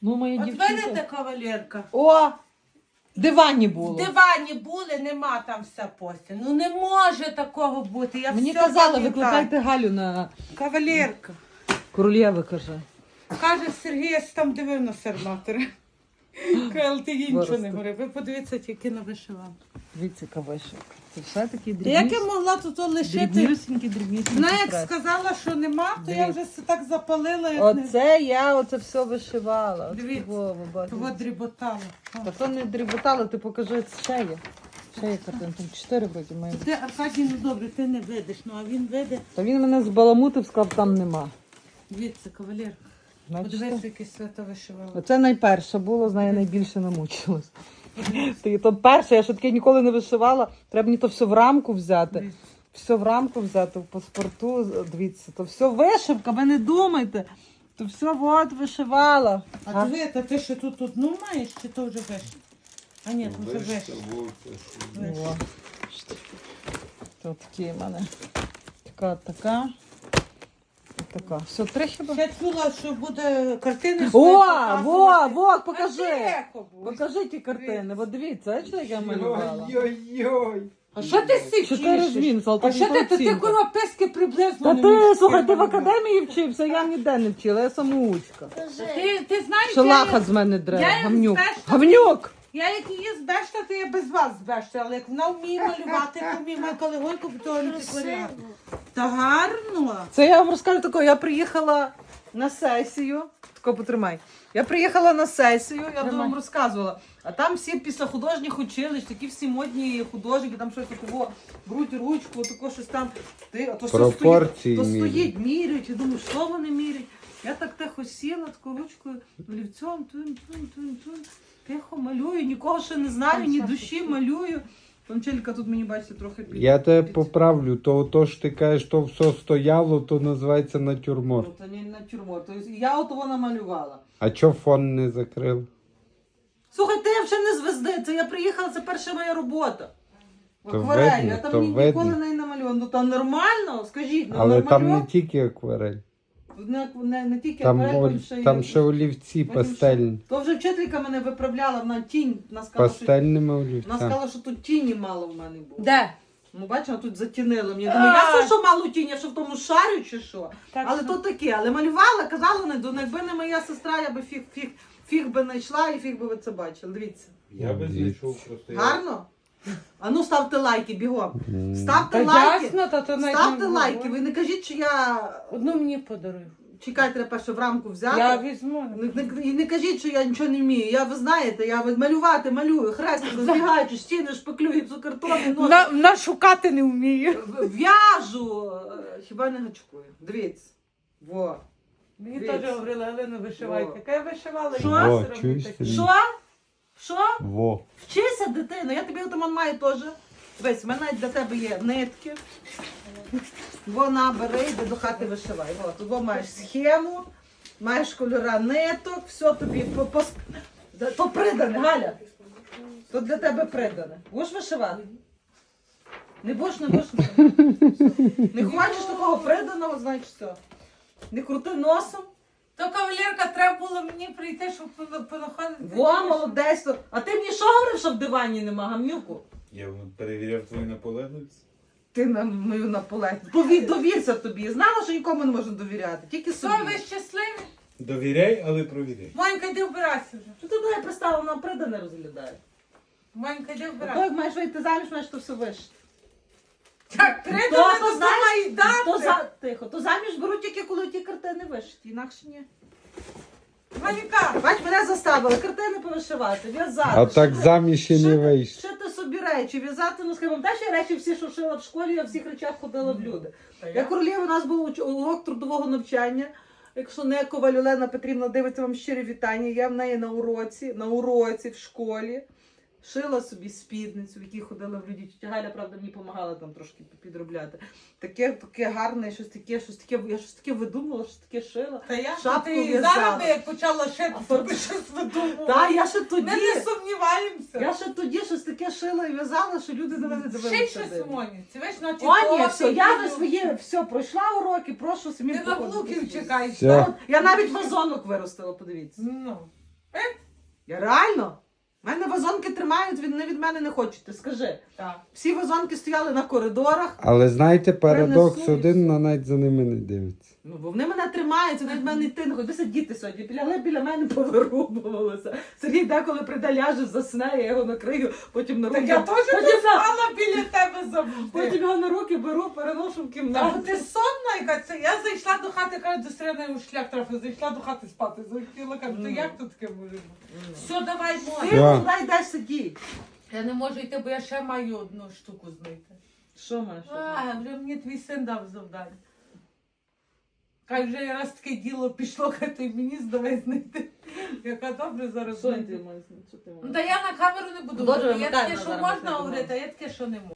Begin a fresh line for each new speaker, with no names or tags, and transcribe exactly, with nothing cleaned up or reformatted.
Ну, моя
От
дівчинка.
видите, кавалерка?
О! Дивані було.
В дивані були, нема там вся постіль. Ну не може такого бути. Я
Мені
все
казали,
пам'ятаю.
викликайте Галю на
Кавалерка.
королєви, каже.
Каже Сергій, я там дивив на серматора. Каже, ти їй нічого не
Виросте.
говорив. Ви подивіться тільки на вишиванку.
Дивіться, кавишок. Це все такі дрібні.
Як я могла тут лишити?
Дрібнюсінькі, дрібнюсінькі.
Вона як
преси.
сказала, що нема, то я
Дивіться.
вже все так запалила. Як не...
Оце я оце все вишивала. От
Дивіться.
того, ви бачите.
Того дріботала.
Та то не дріботало, ти покажи ще є. Ще є картин, там чотири вроді має.
Ти, Аркадій, ну добре, ти не видиш, ну а він виде.
Та він мене збаламутив, сказав, там нема.
Дивіться, кавалер,
Бачите?
подивися, яке свято вишивала.
Оце найперше було, з нею найбільше намучилась. Ти то перше, я ще таке ніколи не вишивала. Треба мені то все в рамку взяти.
Дивіться.
Все в рамку взяти, в паспорту, дивіться, то все вишивка, ви не думайте. То все от вишивала.
А диви, та ти ще тут одну маєш, чи то вже виш? А ні, то вже виш.
О, то такі в мене. Така, така. І така. Все, три хіба?
Я чула, що буде картини.
О,
свої
во,
показувати.
во,
А
покажи.
тихо будь.
Покажи ті картини. От дивіться, бачите, як я малювала?
Ой-ой-ой.
А що ти сі
Чотири
вчиш?
зміни,
А що ти, ти, ти курва писки приблизно
Та
не
ти,
вмієш
слухай, ти в
малювати?
академії вчився, я ніде не вчила, я самоучка.
Ти, ти знаєш,
Шалаха
я,
з мене дре,
я їм
гавнюк.
збешта-
Гавнюк!
я як її збешта, то я без вас збешта, але як вона вміє малювати, то вміє мати колегойку, то не тикоря. Та гарно.
Це я вам розкажу таке, я приїхала на сесію, тако потримай. Я приїхала на сесію, я
Тримай.
вам розказувала. А там всі після художніх училищ, такі всі модні художники, там щось такого, беруть ручку, тако щось там. Ти, а то все
Пропорції
стоїть, то
міряють.
стоїть, міряють, я думаю, що вони міряють. Я так тихо сіла, такою ручкою, олівцем, тун, тун, тун, тун, тихо малюю, нікого ще не знаю, ні душі малюю. Тончелька тут мені, бачите, трохи під...
Я тебе
під-
поправлю, то, то що ти кажеш, то все стояло, то називається натюрморт.
Ну, то не натюрморт. Тобто я от того намалювала.
А чого фон не закрив?
Слухай, ти вже не звезди, це я приїхала, це перша моя робота. В
То
акварелі,
видно,
я там
то
ні,
видно.
ніколи не намалювала. Ну то нормально, скажіть, ну
Але там не
намалював.
тільки акварель.
Не, не, не тільки
Там,
акварель,
о-
потім ще й-
там ще олівці
потім ще-
пастельні.
То вже вчителька мене виправляла, вона тінь, вона сказала, що,
Пастельними
вона
олівцями.
сказала, що тут тіні мало в мене було.
Де?
Ну, бачила, тут затінило мені. Думаю, я все, що мало тінь, я що в тому шарю чи що.
Так
Але
що-
то таке, але малювала, казала, не, ну, якби не моя сестра, я би фіг, фіг, фіг би знайшла і фіг би ви це бачили. Дивіться.
Я би знайшов просто. я-
Гарно? А ну ставте лайки, бігом.
М.
Ставте
Та
лайки.
ясно, та то навіть
Ставте
не
лайки.
було.
Ви не кажіть, що я.
Одну мені подаруй.
Чекайте, треба перше в рамку взяти.
Я візьму.
Не- не- І не кажіть, що я нічого не вмію. Я, ви знаєте, я от малювати, малюю, хрестик, збігаючи, стіни, шпаклю, гіпсокартони, носи.
На, на шукати не вмію.
В'яжу. Е, Хіба не гачкую. Дивіться. Во.
Мені
Дивіться.
теж говорили, Галина, вишивайте.
О.
Яка я вишивала,
Що?
і
О,
нас робити
чуєш,
таке.
Сергій?
Що? Що?
Во.
Вчися, дитино, я тобі отаман маю теж. Дивись, в мене навіть для тебе є нитки. Вона бери, йди до хати вишивай. От, тут маєш схему, маєш кольора ниток, все тобі по, по... То придане, Галя. То для тебе придане. Будеш вишивати? Не будеш, не будеш. Не хочеш такого приданого, значить все. Не крути носом.
То кавалерка, треба було мені прийти, щоб пон- понаходити.
Во, молодець. то- А ти мені що говорив, що в дивані нема, гамнюку?
Я перевіряв твою наполегливість.
Ти на мою наполегливість. Пові... Довірся тобі. Знала, що нікому не можна довіряти. Тільки собі.
Що, ви щасливі?
Довіряй, але провіряй.
Монька, йди вбирайся вже.
Що ти мене пристала, вона придане розглядає.
Монька, йди
А то
вбирайся.
як маєш вийти заміж, маєш то все вишити.
Так, три
То,
дома
то,
то
знаєш,
мають
то,
дати.
за... Тихо, то заміж беруть тільки коли ті картини вишиті, інакше ні.
Монька,
Бач, мене заставили картини повишивати, в'язати.
А так
шити-
заміж і не
шити-
вийшло.
Шити собі речі, в'язати, ну скажімо, та ще речі всі, що шила в школі, я в всіх речах ходила в люди. Я королєва, у нас був уч- урок трудового навчання. Якщо не Коваль Олена Петрівна дивиться, вам щирі вітання. Я в неї на уроці, на уроці в школі. Шила собі спідницю, в якій ходила в люди. Тетя Галя, правда, мені допомагала там трошки підробляти. Таке, таке гарне, щось таке, щось таке, я щось таке видумала, щось таке шила.
та я
Шапку
ти і
в'язала.
зараз би як почала шити,
А
то
то-
би щось видумала.
Та, я ще тоді,
Ми не сумніваємося.
я ще тоді щось таке шила і в'язала, що люди на мене
Ще
дивилися.
щось
дивно.
у Моні. Це весь ночі.
О, ні, все, я вже своє, все, пройшла уроки, прошу самі
Ти на внуків чекаєш.
Все.
Та от, я навіть вазонок виростила, подивіться.
Ну.
Я реально? У мене вазонки тримають, від, не від мене не хочете, скажи.
Так.
Всі вазонки стояли на коридорах.
Але знаєте, парадокс
Принесу і
один,
все.
на навіть за ними не дивиться.
Ну, бо вони мене тримають, вони від мене йти не хочуть. Ви діти сьогодні, біля, біля мене повирубувалися. Сергій деколи прийде, ляже, засне, я його накрию, потім на руки.
Так я теж
потім,
тут спала біля тебе завжди.
потім його на руки беру, переношу в
Та
кімнату.
бо ти сонна, яка це. Я зайшла до хати, кажу, до середини у шлях трафи, зайшла до хати спати, захотіла, кажу, то як тут таке може бути? Все, давай,
Ти
можна.
Що?
куди йдеш сидіть?
Я не можу йти, бо я ще маю одну штуку знайти.
Що маєш?
А, вже мені твій син дав завдання. Хай вже раз таке діло пішло, хай ти мені здавай знайти. Яка добре зараз
Що
знайти.
ти маєш? Що ти
Ну
маєш?
та я на камеру не буду
Добре,
говорити. Є
вимикай,
таке, що
зараз
можна
ми це
говорити, а є таке, що не можна.